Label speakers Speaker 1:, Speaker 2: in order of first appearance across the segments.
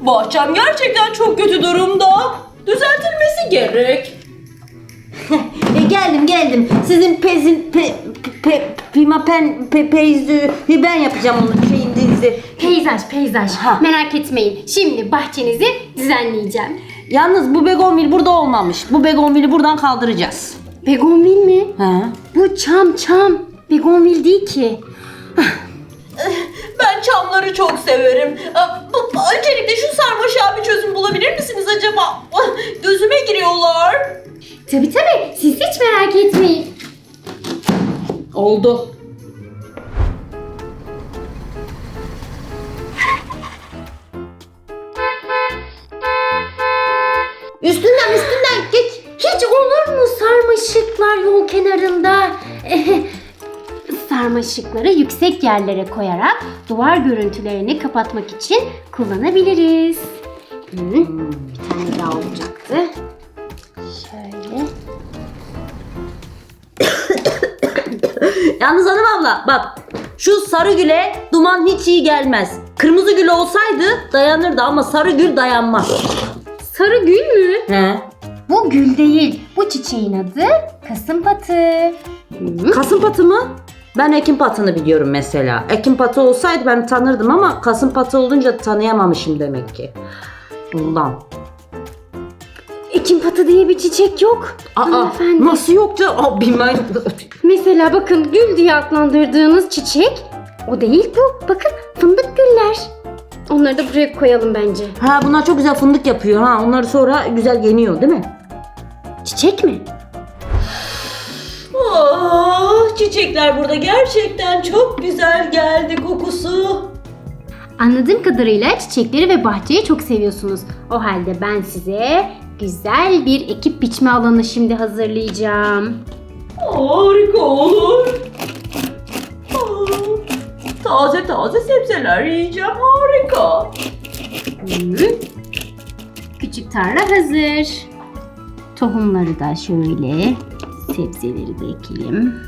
Speaker 1: Bahçem gerçekten çok kötü durumda. Düzeltilmesi gerek.
Speaker 2: Geldim. Sizin peyzü ben yapacağım onun şeyinizi.
Speaker 3: Peyzaj.
Speaker 2: Ha.
Speaker 3: Merak etmeyin. Şimdi bahçenizi düzenleyeceğim.
Speaker 2: Yalnız bu begonvil burada olmamış. Bu begonvili buradan kaldıracağız.
Speaker 3: Begonvil mi?
Speaker 2: He.
Speaker 3: Bu çam. Begonvil değil ki.
Speaker 1: Ben çamları çok severim. Öncelikle şu sarmaşığa bir çözüm bulabilir misiniz acaba? Gözüme giriyorlar.
Speaker 3: Tabii. Siz hiç merak etmeyin.
Speaker 2: Oldu. Üstünden geç.
Speaker 3: Hiç olur mu sarmaşıklar yol kenarında? Sarmaşıkları yüksek yerlere koyarak duvar görüntülerini kapatmak için kullanabiliriz. Bir tane daha olacaktı. Şöyle.
Speaker 2: Yalnız hanım abla bak şu sarı güle duman hiç iyi gelmez. Kırmızı gül olsaydı dayanırdı ama sarı gül dayanmaz.
Speaker 3: Sarı gül mü?
Speaker 2: He.
Speaker 3: Bu gül değil. Bu çiçeğin adı kasımpatı.
Speaker 2: Kasımpatı mı? Ben ekimpatını biliyorum mesela. Ekimpatı olsaydı ben tanırdım ama kasımpatı olunca tanıyamamışım demek ki. Bundan.
Speaker 3: Ekimpatı diye bir çiçek yok. Hanımefendi.
Speaker 2: Nasıl yok canım? Bilmem.
Speaker 3: Mesela bakın gül diye adlandırdığınız çiçek o değil bu. Bakın fındık güller. Onları da buraya koyalım bence.
Speaker 2: Ha bunlar çok güzel fındık yapıyor ha. Onları sonra güzel yeniyor değil mi?
Speaker 3: Çiçek mi?
Speaker 1: Çiçekler burada gerçekten çok güzel geldi kokusu.
Speaker 3: Anladığım kadarıyla çiçekleri ve bahçeyi çok seviyorsunuz. O halde ben size güzel bir ekip biçme alanı şimdi hazırlayacağım.
Speaker 1: Harika olur. Taze sebzeler yiyeceğim, harika.
Speaker 3: Küçük tarla hazır. Tohumları da şöyle, sebzeleri de ekelim.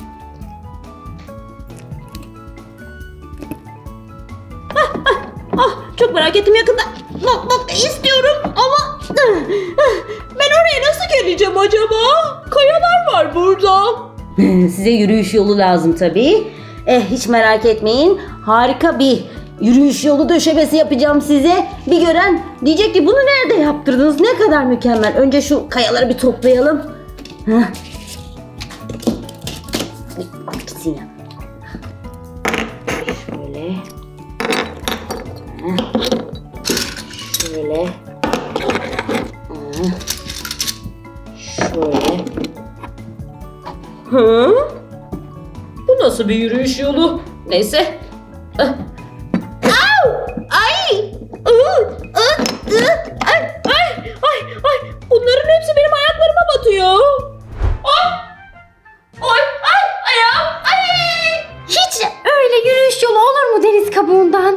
Speaker 1: Çok merak ettim yakında. Bak istiyorum ama ben oraya nasıl geleceğim acaba? Kayalar var burada.
Speaker 2: Size yürüyüş yolu lazım tabii. Hiç merak etmeyin. Harika bir yürüyüş yolu döşemesi yapacağım size. Bir gören diyecek ki bunu nerede yaptırdınız? Ne kadar mükemmel. Önce şu kayaları bir toplayalım. Gitsin ya. Şöyle. Şöyle. Şöyle.
Speaker 1: Bu nasıl bir yürüyüş yolu? Neyse. Ay. Bunların hepsi benim ayaklarıma batıyor. Ayağım.
Speaker 3: Hiç öyle yürüyüş yolu olur mu deniz kabuğundan?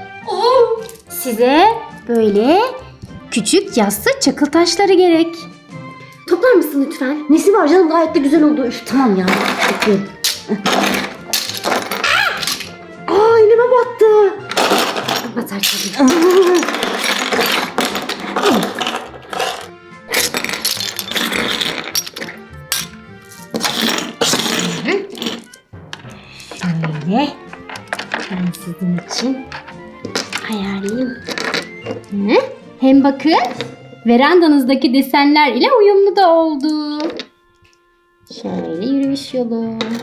Speaker 3: Size böyle küçük yassı çakıl taşları gerek. Toplar mısın lütfen?
Speaker 2: Nesi var canım, gayet de güzel oldu. Üf, tamam ya. Peki. Elime battı.
Speaker 3: Batar tabii. Şöyle ben sizin için ayarlayayım. Hem bakın verandanızdaki desenler ile uyumlu da oldu. Şöyle yürüyüş yolu.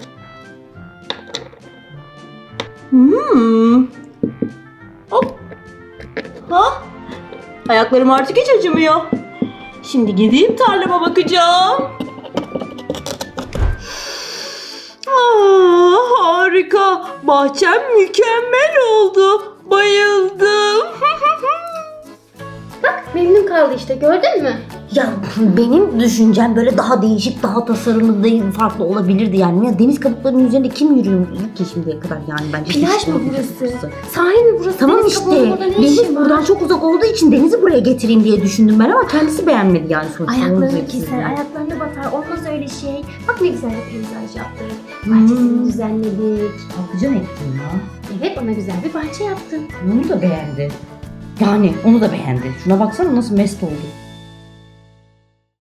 Speaker 1: Hop. Ayaklarım artık hiç acımıyor. Şimdi gideyim tarlama bakacağım. Harika. Bahçem mükemmel oldu. Bayıldım.
Speaker 3: Bak memnun kaldı işte, gördün mü?
Speaker 2: Ya benim düşüncem böyle daha değişik, daha tasarımlı değil, farklı olabilirdi yani. Ya deniz kabuklarının üzerinde kim yürüyor ki şimdiye kadar yani bence.
Speaker 3: Plaj mı burası? Sahil mi burası?
Speaker 2: Tamam
Speaker 3: Deniz
Speaker 2: işte.
Speaker 3: kabuğunda ne
Speaker 2: Deniz
Speaker 3: işin var?
Speaker 2: buradan çok uzak olduğu için denizi buraya getireyim diye düşündüm ben ama kendisi beğenmedi yani sonuçta.
Speaker 3: Ayaklarını keser, ayaklarını batar. Olmaz öyle şey. Bak ne güzel bir peyzaj yaptık. Bahçesini düzenledik.
Speaker 2: Patlıcan ettim ya.
Speaker 3: Evet, ona güzel bir bahçe yaptın.
Speaker 2: Onu da beğendi. Yani onu da beğendi. Şuna baksana nasıl mest oldu.